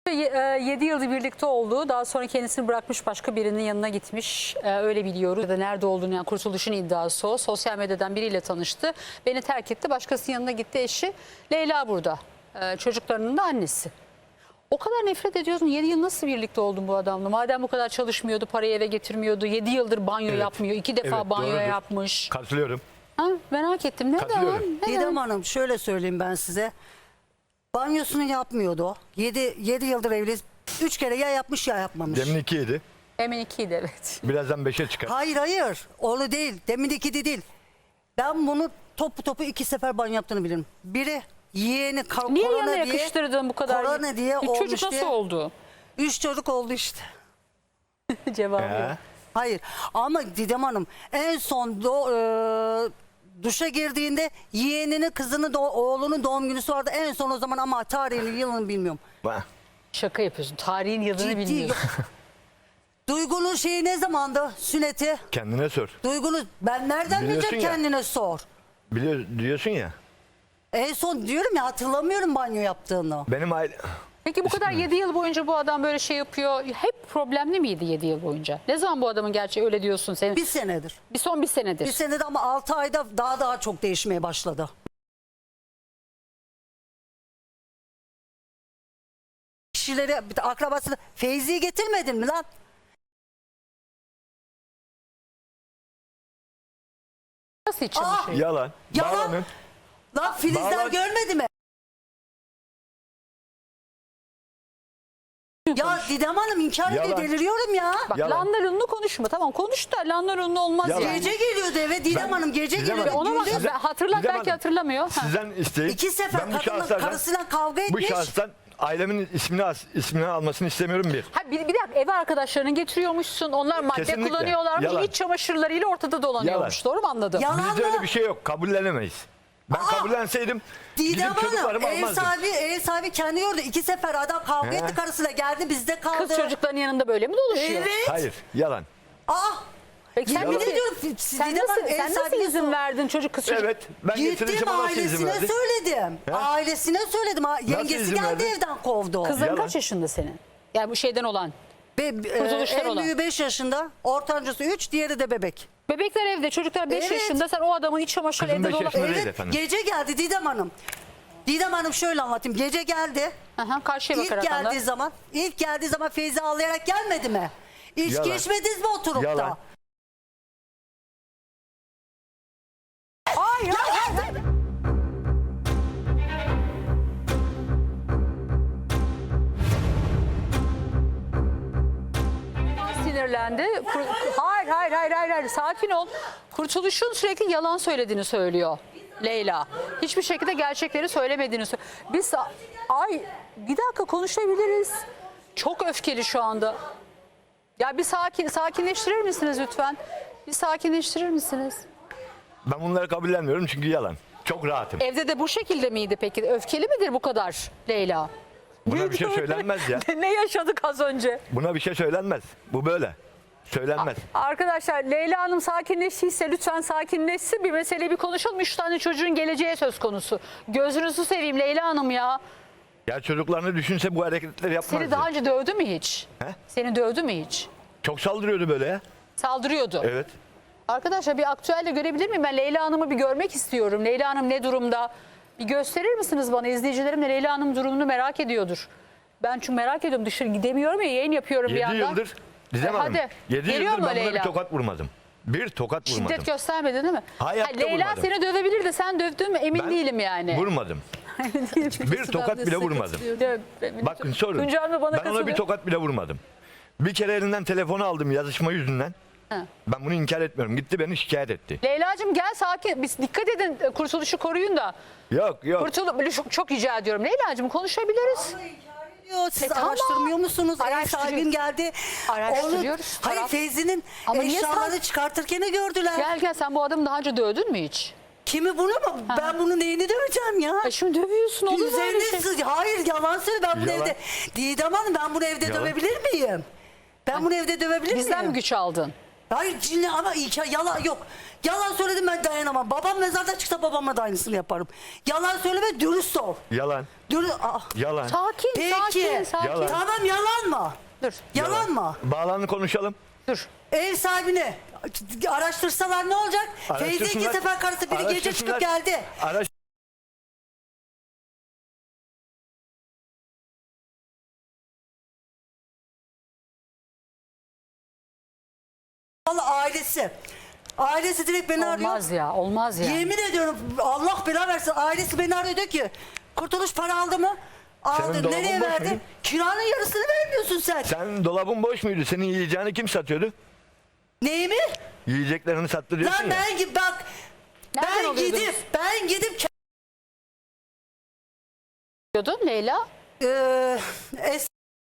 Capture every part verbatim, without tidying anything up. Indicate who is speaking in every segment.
Speaker 1: yedi yıldır birlikte olduğu, daha sonra kendisini bırakmış, başka birinin yanına gitmiş. Ee, öyle biliyoruz. Ya da nerede olduğunu, yani Kurtuluş'un iddiası o. Sosyal medyadan biriyle tanıştı. Beni terk etti. Başkasının yanına gitti eşi. Leyla burada. Ee, çocuklarının da annesi. O kadar nefret ediyorsun. yedi yıl nasıl birlikte oldun bu adamla? Madem bu kadar çalışmıyordu, parayı eve getirmiyordu. yedi yıldır banyo
Speaker 2: Evet.
Speaker 1: yapmıyor. iki defa
Speaker 2: Evet,
Speaker 1: banyo
Speaker 2: doğrudur.
Speaker 1: yapmış.
Speaker 2: Katılıyorum.
Speaker 1: Ha, merak ettim. Neden?
Speaker 2: Katılıyorum.
Speaker 1: Neden?
Speaker 3: Didem Hanım şöyle söyleyeyim ben size. Banyosunu yapmıyordu o. yedi yıldır evliyiz. üç kere ya yapmış ya yapmamış.
Speaker 2: Demin ikiydi.
Speaker 1: Hemen ikiydi, evet.
Speaker 2: Birazdan beşe çıkar.
Speaker 3: Hayır hayır. Oğlu değil. Demin iki de değil. Ben bunu topu topu iki sefer banyo yaptığını bilirim. Biri yeğeni kar-
Speaker 1: Niye
Speaker 3: korona
Speaker 1: yanına
Speaker 3: diye.
Speaker 1: yakıştırdın bu kadar?
Speaker 3: Korona diye
Speaker 1: Üç
Speaker 3: olmuş
Speaker 1: çocuk nasıl
Speaker 3: diye.
Speaker 1: oldu?
Speaker 3: Üç çocuk oldu işte.
Speaker 1: Cevabı
Speaker 2: Ee,
Speaker 1: yok.
Speaker 3: Hayır ama Didem Hanım en son do, e, duşa girdiğinde yeğenini kızını do, oğlunun doğum günüsü vardı. En son o zaman ama tarihini yılını bilmiyorum.
Speaker 2: bak,
Speaker 1: Şaka yapıyorsun. Tarihin yılını
Speaker 3: Ciddi.
Speaker 1: bilmiyorsun.
Speaker 3: Duygu'nun şeyi ne zamandı? Sünneti.
Speaker 2: kendine sor.
Speaker 3: Duygu'nun ben nereden
Speaker 2: Biliyorsun
Speaker 3: bileceğim
Speaker 2: ya.
Speaker 3: kendine sor.
Speaker 2: Biliyor, diyorsun ya.
Speaker 3: En son diyorum ya hatırlamıyorum banyo yaptığını.
Speaker 2: Benim aile...
Speaker 1: Peki bu kadar yedi yıl boyunca bu adam böyle şey yapıyor. Hep problemli miydi yedi yıl boyunca? Ne zaman bu adamın gerçeği öyle diyorsun senin?
Speaker 3: Bir senedir.
Speaker 1: Bir son bir senedir.
Speaker 3: Bir senede ama altı ayda daha daha çok değişmeye başladı. Kişileri, akrabasını Feyzi'yi getirmedin mi lan?
Speaker 1: Nasıl hiç çalışıyor?
Speaker 2: Yalan.
Speaker 3: Yalan.
Speaker 2: Bağlanın.
Speaker 3: Lan Filizler
Speaker 2: Bağlan-
Speaker 3: görmedi mi? Ya Didem Hanım inkar ediyor,
Speaker 2: Yalan.
Speaker 3: deliriyorum ya.
Speaker 1: Bak
Speaker 2: Yalan.
Speaker 1: lanlarunlu konuşma. Tamam konuş da lanlarunlu olmaz
Speaker 2: Yalan.
Speaker 1: yani.
Speaker 3: Gece geliyordu eve Didem
Speaker 2: Ben-
Speaker 3: Hanım gece
Speaker 2: Didem
Speaker 3: geliyordu.
Speaker 2: Hanım,
Speaker 1: Ona bak,
Speaker 3: gündüz-
Speaker 2: Size-
Speaker 1: hatırlar
Speaker 2: Didem
Speaker 1: belki
Speaker 2: Hanım,
Speaker 1: hatırlamıyor. Ha.
Speaker 2: Sizden isteyip
Speaker 3: İki sefer
Speaker 2: ben bu
Speaker 3: kadınla
Speaker 2: şahıslardan-
Speaker 3: karısıyla kavga
Speaker 2: Bu
Speaker 3: etmiş.
Speaker 2: şahıstan ailemin ismini as- ismini almasını istemiyorum bir.
Speaker 1: Ha, bir, bir dakika ev arkadaşlarını getiriyormuşsun. Onlar madde
Speaker 2: Kesinlikle.
Speaker 1: kullanıyorlarmış.
Speaker 2: Yalan.
Speaker 1: İç çamaşırlarıyla ortada dolanıyormuş.
Speaker 2: Yalan.
Speaker 1: Doğru mu anladım?
Speaker 3: Yalan
Speaker 2: Bizde öyle
Speaker 3: mı?
Speaker 2: bir şey yok. Kabullenemeyiz. Ben
Speaker 3: Aa!
Speaker 2: kabullenseydim
Speaker 3: Didem
Speaker 2: gidip
Speaker 3: Hanım
Speaker 2: çocuklarımı
Speaker 3: ev
Speaker 2: almazdım.
Speaker 3: sahibi, ev sahibi kendi yordu. İki sefer adam kavga
Speaker 2: He.
Speaker 3: etti karısıyla geldi bizde kaldı.
Speaker 1: Kız çocukların yanında böyle mi dolaşıyor?
Speaker 3: Evet.
Speaker 2: Hayır, yalan.
Speaker 3: Ah.
Speaker 1: Peki sen
Speaker 3: Yemin
Speaker 1: nasıl,
Speaker 3: ediyorum,
Speaker 1: sen
Speaker 3: Didem
Speaker 1: nasıl,
Speaker 3: Hanım, ev
Speaker 1: sen nasıl
Speaker 3: sahibine
Speaker 1: izin
Speaker 3: sor.
Speaker 1: verdin çocuk kız çocuk?
Speaker 2: Evet, ben
Speaker 3: Gittim
Speaker 2: getireceğim ama nasıl izin
Speaker 3: ailesine
Speaker 2: verdi?
Speaker 3: söyledim.
Speaker 2: He?
Speaker 3: Ailesine söyledim. Ha, Yengesi
Speaker 2: izin
Speaker 3: geldi
Speaker 2: verdi?
Speaker 3: evden kovdu.
Speaker 1: Kızların
Speaker 2: Yalan.
Speaker 1: kaç yaşında senin? Yani bu şeyden olan.
Speaker 3: Ve, e,
Speaker 1: Kurtuluşlar
Speaker 3: en
Speaker 1: olan.
Speaker 3: büyüğü beş yaşında, ortancısı üç, diğeri de bebek.
Speaker 1: Bebekler evde, çocuklar beş
Speaker 3: Evet.
Speaker 1: yaşında. Sen o adamın iç çamaşırı
Speaker 2: Kızım
Speaker 1: evde
Speaker 2: beş
Speaker 1: dolap.
Speaker 2: yaşında değil
Speaker 3: Evet,
Speaker 2: efendim.
Speaker 3: gece geldi Didem Hanım. Didem Hanım şöyle anlatayım. Gece geldi.
Speaker 1: Aha, karşıya
Speaker 3: İlk
Speaker 1: bakarak anlat.
Speaker 3: geldiği zaman, ilk geldiği zaman Feyzi ağlayarak gelmedi mi? İçki
Speaker 2: Yalan.
Speaker 3: içmediniz mi oturup
Speaker 2: Yalan.
Speaker 3: da?
Speaker 1: Hayır, hayır, hayır. Sinirlendi. Kur- Hayır, hayır, hayır, hayır, hayır. Sakin ol. Kurtuluş'un sürekli yalan söylediğini söylüyor Leyla. Hiçbir şekilde gerçekleri söylemediğini söylüyor. Biz ay bir dakika konuşabiliriz. Çok öfkeli şu anda. Ya bir sakin sakinleştirir misiniz lütfen? Bir sakinleştirir misiniz?
Speaker 2: Ben bunları kabullenmiyorum çünkü yalan. Çok rahatım.
Speaker 1: Evde de bu şekilde miydi peki? Öfkeli midir bu kadar Leyla?
Speaker 2: Buna bir şey söylenmez ya.
Speaker 1: Ne yaşadık az önce?
Speaker 2: Buna bir şey söylenmez. Bu böyle. Söylenmez.
Speaker 1: Arkadaşlar Leyla Hanım sakinleştiyse lütfen sakinleşsin. Bir meseleyi bir konuşalım. Üç tane çocuğun geleceği söz konusu. Gözünüzü seveyim Leyla Hanım ya.
Speaker 2: Ya çocuklarını düşünse bu hareketleri yapmazdı.
Speaker 1: Seni daha önce dövdü mü hiç?
Speaker 2: He?
Speaker 1: Seni dövdü mü hiç?
Speaker 2: Çok saldırıyordu böyle ya.
Speaker 1: Saldırıyordu.
Speaker 2: Evet.
Speaker 1: Arkadaşlar bir aktüelle görebilir miyim? Ben Leyla Hanım'ı bir görmek istiyorum. Leyla Hanım ne durumda? Bir gösterir misiniz bana? İzleyicilerim de Leyla Hanım durumunu merak ediyordur. Ben çünkü merak ediyorum. Dışarı gidemiyorum ya, yayın yapıyorum bir
Speaker 2: Yedi
Speaker 1: yandan.
Speaker 2: yıldır Didem
Speaker 1: E,
Speaker 2: Hanım.
Speaker 1: hadi.
Speaker 2: Yedi
Speaker 1: Geliyor
Speaker 2: yıldır
Speaker 1: mu
Speaker 2: ben buna
Speaker 1: Leyla?
Speaker 2: bir tokat vurmadım. Bir tokat vurmadım.
Speaker 1: Şiddet göstermedin değil mi?
Speaker 2: Hayatta
Speaker 1: Ha, Leyla
Speaker 2: vurmadım.
Speaker 1: seni dövebilir de sen dövdün mü emin
Speaker 2: Ben
Speaker 1: değilim yani.
Speaker 2: Vurmadım. Bir tokat bile vurmadım. Bakın sorun.
Speaker 1: Tuncay Hanım bana
Speaker 2: Ben ona bir
Speaker 1: katılıyor.
Speaker 2: tokat bile vurmadım. Bir kere elinden telefonu aldım yazışma yüzünden.
Speaker 1: Ha.
Speaker 2: Ben bunu inkar etmiyorum. Gitti beni şikayet etti.
Speaker 1: Leyla'cığım gel sakin. Biz dikkat edin, Kurtuluş'u koruyun da.
Speaker 2: Yok yok.
Speaker 1: Kurtuluş çok, çok rica ediyorum. Leyla'cığım konuşabiliriz.
Speaker 3: Diyor, Siz
Speaker 1: E, tamam.
Speaker 3: araştırmıyor musunuz? Ev
Speaker 1: Araştırıyor-
Speaker 3: sahibin geldi.
Speaker 1: Araştırıyoruz.
Speaker 3: Onu, hayır
Speaker 1: Taraf-
Speaker 3: Feyzi'nin
Speaker 1: Ama niye
Speaker 3: eşyaları
Speaker 1: sen-
Speaker 3: çıkartırken de gördüler.
Speaker 1: Gel gel sen bu adamı daha önce dövdün mü hiç?
Speaker 3: Kimi bunu mu? Ben bunun neyini döveceğim ya?
Speaker 1: E şimdi dövüyorsun olur mu öyle
Speaker 3: Üzerine
Speaker 1: şey?
Speaker 3: sız- Hayır yalan söyle ben bunu
Speaker 2: Yalan.
Speaker 3: evde. Didem Hanım ben bunu evde
Speaker 2: Yalan.
Speaker 3: dövebilir miyim? Ben bunu evde dövebilir
Speaker 1: Bizden mi
Speaker 3: miyim?
Speaker 1: güç aldın?
Speaker 3: Hayır cinli ama hikaye yalan yok. Yalan söyledim ben dayanamam. Babam mezarda çıksa babama da aynısını yaparım. Yalan söyleme, dürüst ol.
Speaker 2: Yalan.
Speaker 3: Dürüst. Aa,
Speaker 2: Yalan.
Speaker 1: Sakin,
Speaker 3: Peki.
Speaker 1: sakin, sakin.
Speaker 2: Yalan.
Speaker 3: tamam yalan mı?
Speaker 1: Dur,
Speaker 3: Yalan mı?
Speaker 2: Bağlanın konuşalım.
Speaker 1: dur.
Speaker 3: Ev sahibini araştırsalar ne olacak? Feyzi iki
Speaker 2: Araştırsınlar.
Speaker 3: sefer karısı biri gece çıkıp
Speaker 2: Araştırsınlar.
Speaker 3: geldi.
Speaker 2: Araş
Speaker 3: Vallahi ailesi. Ailesi direkt beni arıyor.
Speaker 1: Olmaz ya, olmaz ya.
Speaker 3: Yemin ediyorum Allah bela versin, ailesi beni arıyor, diyor ki Kurtuluş para aldı mı? Aldı.
Speaker 2: dolabın
Speaker 3: Nereye
Speaker 2: boş
Speaker 3: verdi?
Speaker 2: muydu?
Speaker 3: Kiranın yarısını vermiyorsun sen.
Speaker 2: sen dolabın boş muydu? Senin yiyeceğini kim satıyordu?
Speaker 3: Neyi mi?
Speaker 2: Yiyeceklerini sattı diyorsun
Speaker 3: Lan
Speaker 2: ya.
Speaker 3: ben gi- bak
Speaker 1: Nereden
Speaker 3: ben
Speaker 1: alıyordunuz?
Speaker 3: gidip ben gidip
Speaker 1: Diyordun Leyla.
Speaker 3: Ee, es-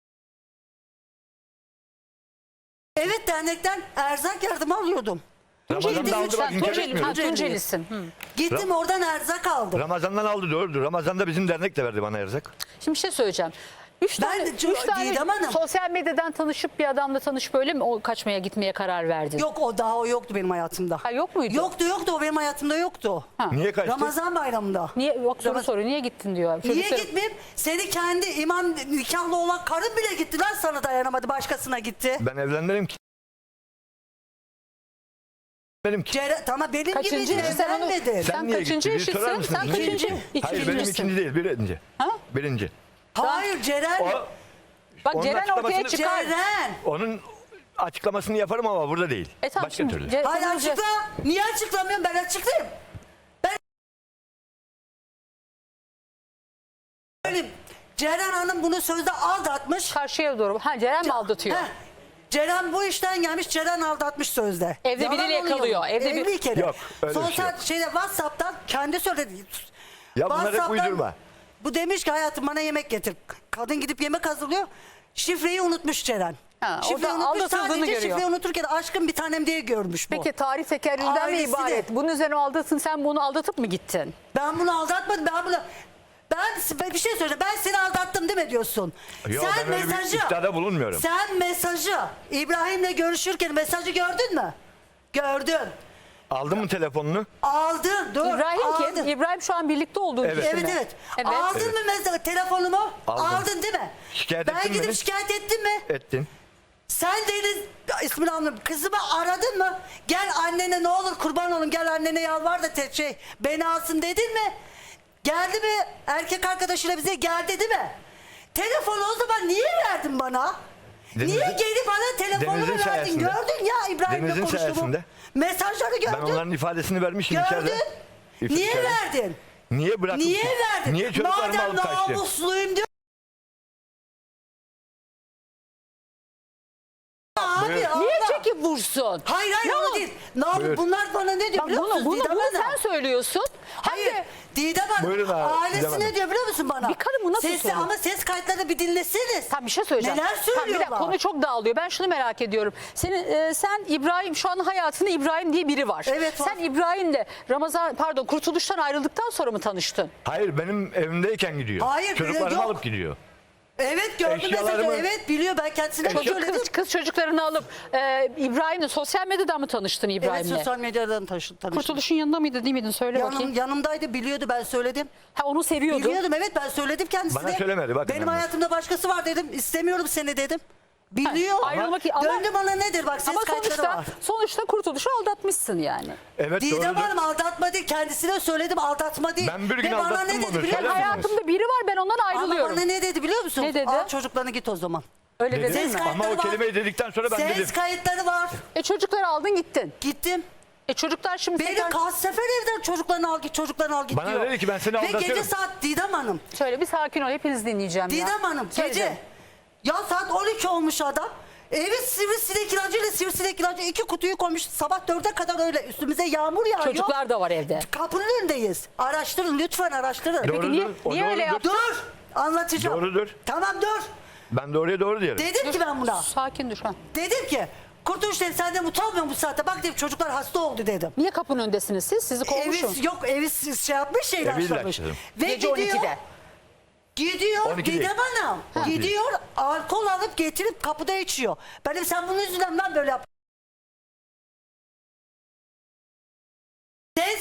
Speaker 3: evet dernekten erzak yardımı alıyordum.
Speaker 2: Ramazan'da aldı bak
Speaker 1: Sen
Speaker 2: inkar
Speaker 1: Tunceli, ha,
Speaker 2: etmiyorum.
Speaker 1: Tuncelisin. Hı.
Speaker 3: Gittim oradan erzak aldım.
Speaker 2: Ramazan'dan aldı doğrudur. Ramazan'da bizim dernek de verdi bana erzak.
Speaker 1: Şimdi bir şey söyleyeceğim. Üç
Speaker 3: Ben
Speaker 1: tane,
Speaker 3: de çok-
Speaker 1: üç tane
Speaker 3: Didem Hanım.
Speaker 1: sosyal medyadan tanışıp bir adamla tanışıp böyle mi o kaçmaya gitmeye karar verdin?
Speaker 3: Yok o daha o yoktu benim hayatımda.
Speaker 1: Ha, yok muydu?
Speaker 3: Yoktu yoktu o benim hayatımda yoktu.
Speaker 1: Ha.
Speaker 2: Niye kaçtı?
Speaker 3: Ramazan bayramında.
Speaker 1: Niye yok soru
Speaker 3: Ramaz-
Speaker 1: soruyor. Niye gittin diyor.
Speaker 3: Niye
Speaker 1: Çocuklar-
Speaker 3: gitmeyeyim? Seni kendi imam nikahlı olan karın bile gitti lan, sana dayanamadı, başkasına gitti.
Speaker 2: Ben evlenmedim ki. Benim ki.
Speaker 3: Cere, tamam benim
Speaker 1: Kaçıncı
Speaker 3: gibi
Speaker 1: eşi sen onu-
Speaker 3: evlenmedin.
Speaker 1: Sen
Speaker 2: niye
Speaker 1: kaçıncı
Speaker 2: gittin? Bir sorar
Speaker 1: eşisin?
Speaker 2: mısınız?
Speaker 1: Sen
Speaker 2: Niye
Speaker 1: kaçıncı?
Speaker 2: gittin? Hayır benim
Speaker 1: İkincisin.
Speaker 2: ikinci değil birinci.
Speaker 1: Ha?
Speaker 2: Birinci.
Speaker 3: Hayır Ceren.
Speaker 2: O,
Speaker 1: Bak
Speaker 2: Onun
Speaker 1: Ceren ortaya
Speaker 2: açıklamasını-
Speaker 1: çıkar.
Speaker 3: Ceren.
Speaker 2: onun açıklamasını yaparım ama burada değil.
Speaker 1: E tamam,
Speaker 2: Başka
Speaker 1: şimdi
Speaker 2: türlü.
Speaker 1: Ce-
Speaker 3: Hayır
Speaker 1: tamam, Ce-
Speaker 3: açıkla. Niye açıklamıyorum? Ben açıklayayım. Ben Benim Ceren Hanım bunu sözde aldatmış.
Speaker 1: Karşıya doğru. Ha Ceren mi aldatıyor?
Speaker 3: Heh. Ceren bu işten gelmiş, Ceren aldatmış sözde.
Speaker 1: Evde
Speaker 3: Yalan
Speaker 1: biriyle
Speaker 3: oluyor.
Speaker 1: yakalıyor, evde bir-
Speaker 3: Evli kere.
Speaker 2: Yok, öyle bir
Speaker 3: Son
Speaker 2: şey
Speaker 3: saat
Speaker 2: yok.
Speaker 3: şeyde WhatsApp'tan kendi söyledi.
Speaker 2: Ya bunları hep
Speaker 3: WhatsApp'tan
Speaker 2: uydurma.
Speaker 3: Bu demiş ki hayatım bana yemek getir. Kadın gidip yemek hazırlıyor. Şifreyi unutmuş Ceren.
Speaker 1: Ha, o
Speaker 3: Şifreyi
Speaker 1: da
Speaker 3: unutmuş,
Speaker 1: aldatıldığını
Speaker 3: sadece
Speaker 1: görüyor.
Speaker 3: şifreyi unuturken aşkım bir tanem diye görmüş bu.
Speaker 1: Peki tarih tekerrürden mi
Speaker 3: Ailesi de.
Speaker 1: ibaret? Bunun üzerine aldatın, sen bunu aldatıp mı gittin?
Speaker 3: Ben bunu aldatmadım. Ben bunu ben, ben bir şey söyleyeceğim. Ben seni aldattım değil mi diyorsun?
Speaker 2: Yok, ben öyle bir iddiada bulunmuyorum.
Speaker 3: Sen mesajı İbrahim'le görüşürken mesajı gördün mü? Gördün.
Speaker 2: Aldın mı telefonunu?
Speaker 3: Aldın. Dur.
Speaker 1: İbrahim
Speaker 3: aldın.
Speaker 1: kim? İbrahim şu an birlikte olduğu
Speaker 2: Evet.
Speaker 1: kişi mi?
Speaker 3: Evet evet.
Speaker 1: Evet.
Speaker 3: Aldın
Speaker 2: Evet.
Speaker 3: mı mesela telefonumu?
Speaker 2: Aldım.
Speaker 3: Aldın değil mi?
Speaker 2: Şikayet
Speaker 3: ben
Speaker 2: ettin mi
Speaker 3: gidip
Speaker 2: beni?
Speaker 3: şikayet ettim mi?
Speaker 2: Ettin.
Speaker 3: Sen Deniz ismini anladım. Kızımı aradın mı? Gel annene ne olur kurban olun, gel annene yalvar da te- şey beni alsın dedin mi? Geldi mi? Erkek arkadaşıyla bize geldi değil mi? Telefonu o zaman niye verdin bana?
Speaker 2: Deniz'in-
Speaker 3: niye gelip bana telefonumu
Speaker 2: Deniz'in
Speaker 3: verdin?
Speaker 2: sayesinde.
Speaker 3: Gördün ya İbrahim'le
Speaker 2: Deniz'in
Speaker 3: konuştuğumu.
Speaker 2: sayesinde.
Speaker 3: Mesajları gördün.
Speaker 2: Ben onların ifadesini vermişim içeride.
Speaker 3: Gördün.
Speaker 2: İf-
Speaker 3: Niye
Speaker 2: içeride.
Speaker 3: verdin?
Speaker 2: Niye bırakıp?
Speaker 3: Niye verdin?
Speaker 2: Niye çocuklarımı
Speaker 3: Madem
Speaker 2: alıp kaçtın?
Speaker 3: namusluyum diyor. Abi,
Speaker 2: Buyur.
Speaker 3: Allah.
Speaker 1: Niye çekip vursun?
Speaker 3: Hayır hayır
Speaker 1: Ne
Speaker 3: o
Speaker 1: o?
Speaker 3: değil. Ne yapayım?
Speaker 2: Buyur.
Speaker 3: Bunlar bana ne diyor
Speaker 1: Bak
Speaker 3: biliyor
Speaker 1: bunu,
Speaker 3: musun?
Speaker 1: bunu,
Speaker 3: Didem
Speaker 1: bunu
Speaker 3: Hanım.
Speaker 1: sen söylüyorsun. Hem
Speaker 3: Hayır.
Speaker 1: de
Speaker 3: Didem Hanım.
Speaker 2: Buyurun abi,
Speaker 3: Ailesi
Speaker 2: Didem Hanım.
Speaker 3: ne diyor biliyor musun bana?
Speaker 1: Bir kadın bu nasıl
Speaker 3: Sesi,
Speaker 1: söylüyor?
Speaker 3: ama ses kayıtlarını bir dinleseniz.
Speaker 1: Tam bir şey söyleyeceğim.
Speaker 3: Neler
Speaker 1: Tamam, bir
Speaker 3: söylüyorlar?
Speaker 1: dakika, konu çok dağılıyor. Ben şunu merak ediyorum. Senin e, sen İbrahim şu an hayatında İbrahim diye biri var.
Speaker 3: Evet, var.
Speaker 1: Sen İbrahim'le Ramazan pardon Kurtuluş'tan ayrıldıktan sonra mı tanıştın?
Speaker 2: Hayır benim evimdeyken gidiyor.
Speaker 3: Hayır,
Speaker 2: Çocuklarımı
Speaker 3: yok.
Speaker 2: alıp gidiyor.
Speaker 3: Evet gördüm
Speaker 2: Eşyalarımı-
Speaker 3: mesajı. Evet biliyor, ben kendisine
Speaker 1: Çocuk
Speaker 3: söyledim.
Speaker 1: kız, kız çocuklarını alıp e, İbrahim'le sosyal medyadan mı tanıştın
Speaker 3: Evet
Speaker 1: İbrahim'le?
Speaker 3: sosyal medyadan taşı- tanıştım.
Speaker 1: Kurtuluş'un yanında mıydı değil miydin? Söyle
Speaker 3: Yanım,
Speaker 1: bakayım.
Speaker 3: yanımdaydı, biliyordu, ben söyledim.
Speaker 1: Ha onu seviyordu.
Speaker 3: Biliyordum, evet ben söyledim kendisine.
Speaker 2: Bana söylemedi, bakın
Speaker 3: Benim
Speaker 2: hemen.
Speaker 3: hayatımda başkası var dedim. İstemiyorum seni dedim. Biliyor.
Speaker 1: Ha, ayrılmak ama,
Speaker 3: Döndü bana nedir bak, ses
Speaker 1: ama
Speaker 3: kayıtları
Speaker 1: sonuçta,
Speaker 3: var.
Speaker 1: sonuçta Kurtuluş'u aldatmışsın yani.
Speaker 2: Evet
Speaker 3: Didem
Speaker 2: doğrudur.
Speaker 3: Hanım aldatma değil, kendisine söyledim aldatma değil.
Speaker 2: Ben bir gün
Speaker 3: Ve bana
Speaker 2: aldattım
Speaker 3: ne
Speaker 2: onu,
Speaker 3: dedi biliyor
Speaker 2: söyler
Speaker 3: musun?
Speaker 2: misiniz?
Speaker 1: Hayatımda biri var, ben ondan
Speaker 3: Ama
Speaker 1: ayrılıyorum.
Speaker 3: bana ne dedi biliyor musun?
Speaker 1: Ne dedi?
Speaker 3: Al çocuklarını git o zaman.
Speaker 1: Öyle
Speaker 2: Dedi.
Speaker 1: dedin
Speaker 3: Ses
Speaker 1: mi?
Speaker 3: kayıtları
Speaker 2: Ama o
Speaker 3: var.
Speaker 2: kelimeyi dedikten sonra ben
Speaker 3: Ses
Speaker 2: dedim.
Speaker 3: kayıtları var.
Speaker 1: E çocukları aldın gittin.
Speaker 3: Gittim.
Speaker 1: E çocuklar şimdi
Speaker 3: Beni
Speaker 1: tekrar...
Speaker 3: kaç sefer evden çocuklarını al git, çocuklarını al git
Speaker 2: Bana
Speaker 3: diyor.
Speaker 2: dedi ki ben seni
Speaker 3: Ve
Speaker 2: aldatıyorum.
Speaker 3: gece saat Didem Hanım.
Speaker 1: Şöyle bir sakin ol, hepiniz dinleyeceğim ya.
Speaker 3: Didem Hanım
Speaker 1: Söyle
Speaker 3: gece.
Speaker 1: canım.
Speaker 3: Ya saat on iki olmuş adam. Evi sivrisinek ilacıyla sivrisinek ilacı iki kutuyu koymuş. Sabah dörde kadar öyle üstümüze yağmur yağıyor.
Speaker 1: Çocuklar da var evde.
Speaker 3: Kapının önündeyiz. Araştırın lütfen, araştırın.
Speaker 2: Doğrudur,
Speaker 1: Peki niye,
Speaker 2: o
Speaker 1: niye öyle
Speaker 2: doğrudur.
Speaker 1: yaptın?
Speaker 3: Dur. Anlatacağım.
Speaker 2: Doğrudur.
Speaker 3: Tamam dur.
Speaker 2: Ben doğruya doğru diyelim.
Speaker 3: Dedim ki ben buna.
Speaker 1: Sakin dur ha.
Speaker 3: Dedim ki Kurtuluş dedim, sen de utanmıyor musun bu saatte? Bak dedim, çocuklar hasta oldu dedim.
Speaker 1: Niye kapının öndesiniz siz? Sizi kovmuşum.
Speaker 3: Evi yok, evi şey yapmış, şey
Speaker 2: Evi
Speaker 3: ilaçlamış.
Speaker 2: ilaçladım.
Speaker 3: Ve
Speaker 1: Gece
Speaker 3: gidiyor.
Speaker 1: on ikide.
Speaker 3: Gidiyor
Speaker 2: on iki değil.
Speaker 3: Didem Hanım.
Speaker 2: on iki.
Speaker 3: Gidiyor alkol alıp getirip kapıda içiyor. Ben dedim sen bunun yüzünden ben böyle yap.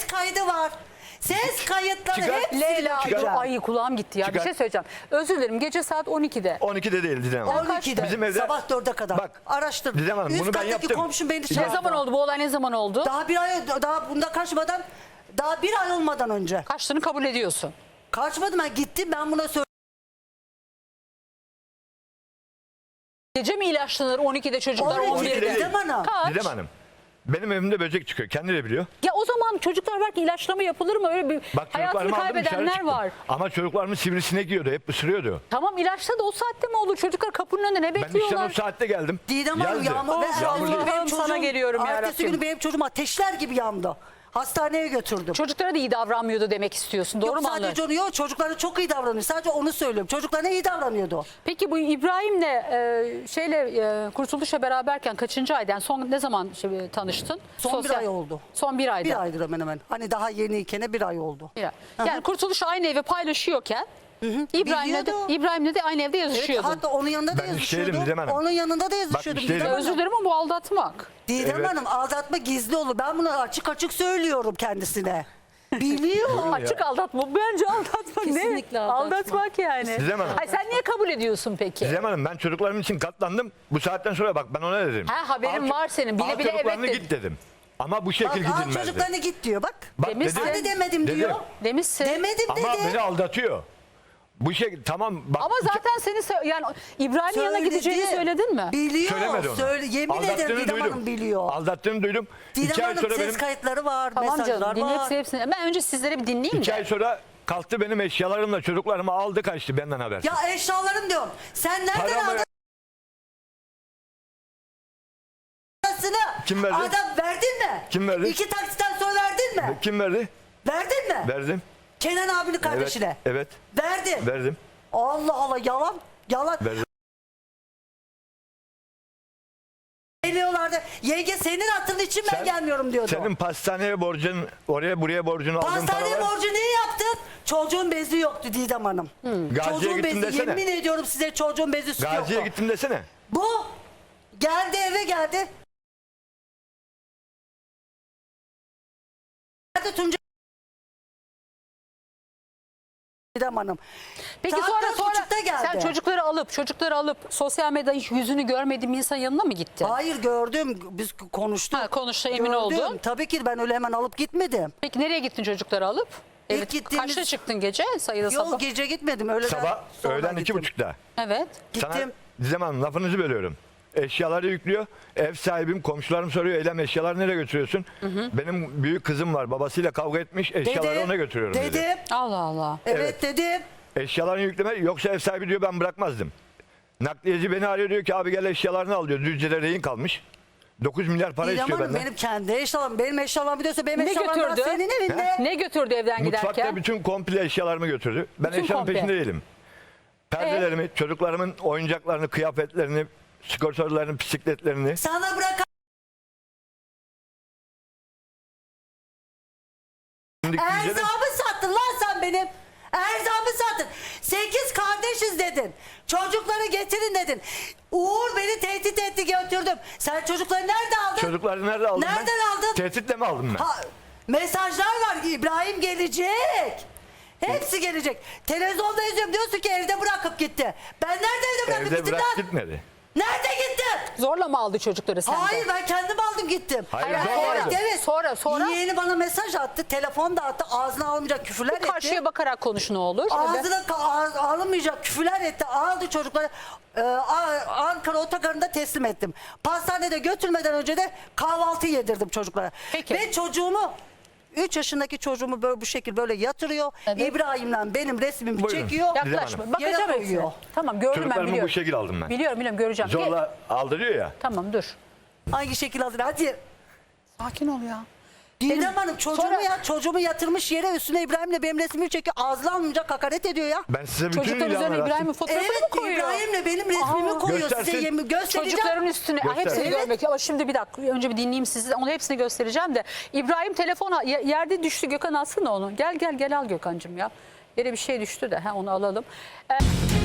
Speaker 3: kaydı var. Ses kayıtları
Speaker 2: Çıkar.
Speaker 3: hepsini
Speaker 1: Leyla,
Speaker 3: götüreceğim.
Speaker 1: ay kulağım gitti ya.
Speaker 2: Çıkar.
Speaker 1: Bir şey söyleyeceğim. Özür dilerim. Gece saat on ikide.
Speaker 2: on ikide değil Didem Hanım.
Speaker 3: on ikide
Speaker 2: Bizim evde-
Speaker 3: sabah dörde kadar.
Speaker 2: Bak,
Speaker 3: Araştır.
Speaker 2: Didem Hanım,
Speaker 3: Üst
Speaker 2: bunu ben
Speaker 3: kattaki
Speaker 2: yaptım.
Speaker 3: komşum beni
Speaker 2: Ne
Speaker 1: Ne
Speaker 3: çağırdı.
Speaker 1: zaman oldu bu olay, ne zaman oldu?
Speaker 3: Daha bir ay, daha bunda kaçmadan, daha bir ay olmadan önce.
Speaker 1: Kaçtığını kabul ediyorsun.
Speaker 3: Kaçmadım, ben gittim, ben buna söyledim.
Speaker 1: Gece mi ilaçlanır on ikide çocuklar
Speaker 3: on
Speaker 1: on
Speaker 3: ikide
Speaker 1: birde?
Speaker 3: Didem Hanım.
Speaker 1: Kaç?
Speaker 2: Didem Hanım. Benim evimde böcek çıkıyor. Kendi de biliyor.
Speaker 1: Ya o zaman çocuklar belki ilaçlama yapılır mı? Öyle bir
Speaker 2: Bak
Speaker 1: hayatını
Speaker 2: çocuklarımı aldım dışarı
Speaker 1: kaybedenler
Speaker 2: çıktım.
Speaker 1: var.
Speaker 2: Ama çocuklarımı sivrisinek yiyordu. Hep ısırıyordu.
Speaker 1: Tamam, ilaçla da o saatte mi olur? Çocuklar kapının önünde ne
Speaker 2: Ben işten o
Speaker 1: bekliyorlar?
Speaker 2: saatte geldim.
Speaker 3: Didem Hanım
Speaker 2: Yazdı.
Speaker 3: yağmur ve
Speaker 1: Oh,
Speaker 3: ertesi gün
Speaker 1: Allah'ım,
Speaker 3: benim
Speaker 1: sana
Speaker 3: çocuğum,
Speaker 1: geliyorum ya
Speaker 3: ertesi
Speaker 1: Rabbim.
Speaker 3: günü benim çocuğum ateşler gibi yandı. Hastaneye götürdüm.
Speaker 1: Çocuklara da iyi davranmıyordu demek istiyorsun. Doğru
Speaker 3: Yok
Speaker 1: mu anlıyorum?
Speaker 3: sadece onu yok, çocuklara çok iyi davranıyor. Sadece onu söylüyorum. Çocuklarına iyi davranıyordu.
Speaker 1: Peki bu İbrahim'le e, şeyle e, Kurtuluş'la beraberken kaçıncı aydan son ne zaman şey, tanıştın?
Speaker 3: Son bir ay oldu.
Speaker 1: Son bir ayda.
Speaker 3: Bir aydır hemen hemen. Hani daha yeniyken bir ay oldu.
Speaker 1: Bir ay. Yani Kurtuluş aynı evi paylaşıyorken İbrahim'le de,
Speaker 3: Biliyordu.
Speaker 1: İbrahim'le de aynı evde
Speaker 3: Evet,
Speaker 1: yazışıyordun.
Speaker 3: hatta onun yanında da
Speaker 2: Ben
Speaker 3: yazışıyordum.
Speaker 2: işteydim Didem Hanım.
Speaker 3: Onun yanında da yazışıyordum.
Speaker 2: işteydim.
Speaker 3: Didem
Speaker 1: Özür
Speaker 3: Hanım.
Speaker 1: dilerim ama bu aldatmak.
Speaker 3: Didem
Speaker 2: Evet.
Speaker 3: Hanım, aldatma gizli olur. Ben bunu açık açık söylüyorum kendisine. Biliyor.
Speaker 1: Açık aldatma. Bence aldatmak ne?
Speaker 4: Kesinlikle aldatmak.
Speaker 1: Aldatmak yani.
Speaker 2: Didem Hanım.
Speaker 1: Ay sen niye kabul ediyorsun peki?
Speaker 2: Didem Hanım, ben çocuklarım için katlandım. Bu saatten sonra bak ben ona dedim.
Speaker 1: Ha, haberin
Speaker 2: Al-
Speaker 1: var senin. Bile
Speaker 2: al
Speaker 1: bile
Speaker 2: çocuklarını
Speaker 1: evet
Speaker 2: git dedim. Ama bu şekil
Speaker 3: Bak, al
Speaker 2: gidilmezdi.
Speaker 3: çocuklarına git diyor bak.
Speaker 2: Bak
Speaker 1: Demişsin.
Speaker 3: Hani demedim
Speaker 2: Dedim.
Speaker 3: diyor.
Speaker 1: Demişsin.
Speaker 3: Demedim dedi.
Speaker 2: Ama beni aldatıyor. Bu şey tamam bak.
Speaker 1: Ama zaten seni sö- yani İbrahim'in yanına
Speaker 3: Söyledi.
Speaker 1: gideceğini söyledin mi?
Speaker 3: Biliyor.
Speaker 2: Söylemedi onu.
Speaker 3: Söyle, yemin ederim
Speaker 2: Aldattığını
Speaker 3: Didem
Speaker 2: duydum.
Speaker 3: Hanım biliyor.
Speaker 2: Aldattığını duydum.
Speaker 3: Didem
Speaker 2: İki ay
Speaker 3: Hanım
Speaker 2: sonra
Speaker 3: ses
Speaker 2: benim,
Speaker 3: kayıtları var,
Speaker 1: Tamam
Speaker 3: mesajlar
Speaker 1: canım, din
Speaker 3: var.
Speaker 1: hepsi hepsini. Ben önce sizlere bir dinleyeyim
Speaker 2: iki
Speaker 1: de.
Speaker 2: ay sonra kalktı benim eşyalarımla çocuklarımı aldı kaçtı benden haber.
Speaker 3: Ya eşyalarım diyorum. Sen nereden
Speaker 2: Paramı-
Speaker 3: aldın? Parasını
Speaker 2: Kim verdi?
Speaker 3: Adam verdin mi?
Speaker 2: Kim verdi?
Speaker 3: İki taksitten sonra verdin mi?
Speaker 2: Kim verdi?
Speaker 3: Verdin mi?
Speaker 2: Verdim.
Speaker 3: Kenan abinin
Speaker 2: Evet.
Speaker 3: kardeşine.
Speaker 2: Evet.
Speaker 3: Verdin.
Speaker 2: Verdim.
Speaker 3: Allah Allah, yalan. Yalan.
Speaker 2: Verdim.
Speaker 3: Geliyorlardı. Yenge senin hatırın için ben
Speaker 2: Sen-
Speaker 3: gelmiyorum diyordu.
Speaker 2: Senin pastaneye borcun, oraya buraya borcunu aldığın
Speaker 3: Pastane
Speaker 2: paralar.
Speaker 3: borcu niye yaptın? Çocuğun bezi yoktu Didem Hanım.
Speaker 2: Gazi'ye
Speaker 3: Çocuğun
Speaker 2: gittim
Speaker 3: bezi,
Speaker 2: desene.
Speaker 3: yemin ediyorum size çocuğun bezi sütü
Speaker 2: Gazi'ye
Speaker 3: yoktu.
Speaker 2: gittim desene.
Speaker 3: Bu geldi, eve geldi. Geldi Tuncay. Didem Hanım.
Speaker 1: Peki
Speaker 3: Saat
Speaker 1: sonra
Speaker 3: dört
Speaker 1: sonra
Speaker 3: buçukta geldi.
Speaker 1: sen çocukları alıp çocukları alıp sosyal medyada hiç yüzünü görmediğin bir insanın yanına mı gittin?
Speaker 3: Hayır, gördüm. Biz konuştuk.
Speaker 1: Ha, konuştu, emin
Speaker 3: Gördüm.
Speaker 1: oldun.
Speaker 3: Tabii ki ben öyle hemen alıp gitmedim.
Speaker 1: Peki nereye gittin çocukları alıp?
Speaker 3: İlk
Speaker 1: Evet.
Speaker 3: gittiğimiz-
Speaker 1: Kaçta çıktın gece? Sayıda
Speaker 3: Yok,
Speaker 1: sabah.
Speaker 3: gece gitmedim. Öyle
Speaker 2: Sabah öğlen iki buçukta.
Speaker 1: Evet.
Speaker 2: Sana
Speaker 3: Gittim.
Speaker 2: Didem Hanım lafınızı bölüyorum. Eşyaları yüklüyor. Ev sahibim, komşularım soruyor. Eylem eşyaları nereye götürüyorsun? Benim büyük kızım var. Babasıyla kavga etmiş. Eşyaları
Speaker 3: Dedim,
Speaker 2: ona götürüyorum dedi.
Speaker 3: Dedim.
Speaker 1: Allah Allah.
Speaker 3: Evet, dedim.
Speaker 2: Eşyalarını yükleme yoksa ev sahibi diyor ben bırakmazdım. Nakliyeci beni arıyor diyor ki abi gel eşyalarını al diyor. Düzce'de rehin kalmış. dokuz milyar para
Speaker 3: İrem
Speaker 2: istiyor
Speaker 3: Hanım,
Speaker 2: benden.
Speaker 3: benim kendi eşyalarım. Benim eşyalarım biliyorsa benim
Speaker 1: Ne
Speaker 3: eşyalarım daha
Speaker 1: götürdü?
Speaker 3: senin evinde.
Speaker 1: Ne götürdü evden
Speaker 2: Mutfakta
Speaker 1: giderken?
Speaker 2: bütün komple eşyalarımı götürdü. Ben
Speaker 1: Bütün
Speaker 2: eşyanın
Speaker 1: komple.
Speaker 2: peşinde değilim. Perdelerimi, çocuklarımın oyuncaklarını, kıyafetlerini, sigortalarını, bisikletlerini.
Speaker 3: Sana bırak.
Speaker 2: Şimdi Düzce'de-
Speaker 3: Erzağımı sattın lan sen benim. Erzağımı sattın. Sekiz kardeşiz dedin. Çocukları getirin dedin. Uğur beni tehdit etti, götürdüm. Sen çocukları nerede aldın?
Speaker 2: Çocukları nerede aldım ben?
Speaker 3: Nereden aldın?
Speaker 2: Tehditle mi aldım ben?
Speaker 3: Ha, mesajlar var. İbrahim gelecek. Hepsi gelecek. Televizyonda izliyorum, diyorsun ki evde bırakıp gitti. Ben nerede evde bırakıp
Speaker 2: Evde
Speaker 3: gittim
Speaker 2: bırak
Speaker 3: lan?
Speaker 2: gitmedi.
Speaker 3: Nerede gittin?
Speaker 1: Zorla mı aldı çocukları senden?
Speaker 3: Hayır, ben kendim aldım gittim.
Speaker 2: Hayır,
Speaker 1: Hayır,
Speaker 2: zorla
Speaker 1: sonra-
Speaker 2: aldım.
Speaker 3: Evet.
Speaker 1: Sonra- sonra?
Speaker 3: Yeğeni bana mesaj attı. Telefon da attı. Ağzına almayacak küfürler etti.
Speaker 1: Karşıya bakarak konuş ne olur.
Speaker 3: Ağzına ka- ağ- alınmayacak küfürler etti. Aldı çocukları. Ee, A- Ankara otogarında teslim ettim. Pastanede götürmeden önce de kahvaltı yedirdim çocuklara.
Speaker 1: Peki.
Speaker 3: Ve çocuğumu üç yaşındaki çocuğumu böyle bu şekilde böyle yatırıyor.
Speaker 1: Evet.
Speaker 3: İbrahim'le benim resmimi
Speaker 2: Buyurun.
Speaker 3: çekiyor.
Speaker 2: Didem
Speaker 1: Yaklaşma.
Speaker 2: Hanım.
Speaker 1: Bakacağım
Speaker 3: Yere
Speaker 1: hepsine.
Speaker 3: koyuyor.
Speaker 1: Tamam, gördüm ben,
Speaker 2: Çocuklarımı
Speaker 1: biliyorum.
Speaker 2: bu şekil aldım ben.
Speaker 1: Biliyorum biliyorum, göreceğim. Gel-
Speaker 2: Zorla aldırıyor ya.
Speaker 1: Tamam, dur.
Speaker 3: Hangi şekil alır? Hadi.
Speaker 1: Sakin ol ya.
Speaker 3: Didem Hanım, çocuğumu
Speaker 1: Sonra-
Speaker 3: ya çocuğumu yatırmış yere, üstüne İbrahim'le benim resmimi çekiyor. Ağzına almayacak, hakaret ediyor ya.
Speaker 2: Ben size bütün
Speaker 1: Çocuklar üzerine
Speaker 2: ilanları
Speaker 1: İbrahim'in
Speaker 2: attım.
Speaker 1: fotoğrafını mı
Speaker 3: Evet,
Speaker 1: koyuyor?
Speaker 3: İbrahim'le benim resmimi
Speaker 1: Aa.
Speaker 3: koyuyor. Size
Speaker 2: Göstersin.
Speaker 3: yemin göstereceğim.
Speaker 1: Çocukların üstüne
Speaker 2: Göster.
Speaker 1: hepsini
Speaker 3: Evet.
Speaker 1: görmek. Ama şimdi bir dakika, önce bir dinleyeyim sizi. Onu hepsini göstereceğim de. İbrahim telefona ye- yerde düştü. Gökhan alsana onu. Gel gel gel al Gökhan'cığım ya. Yere bir şey düştü de ha, onu alalım. Ee,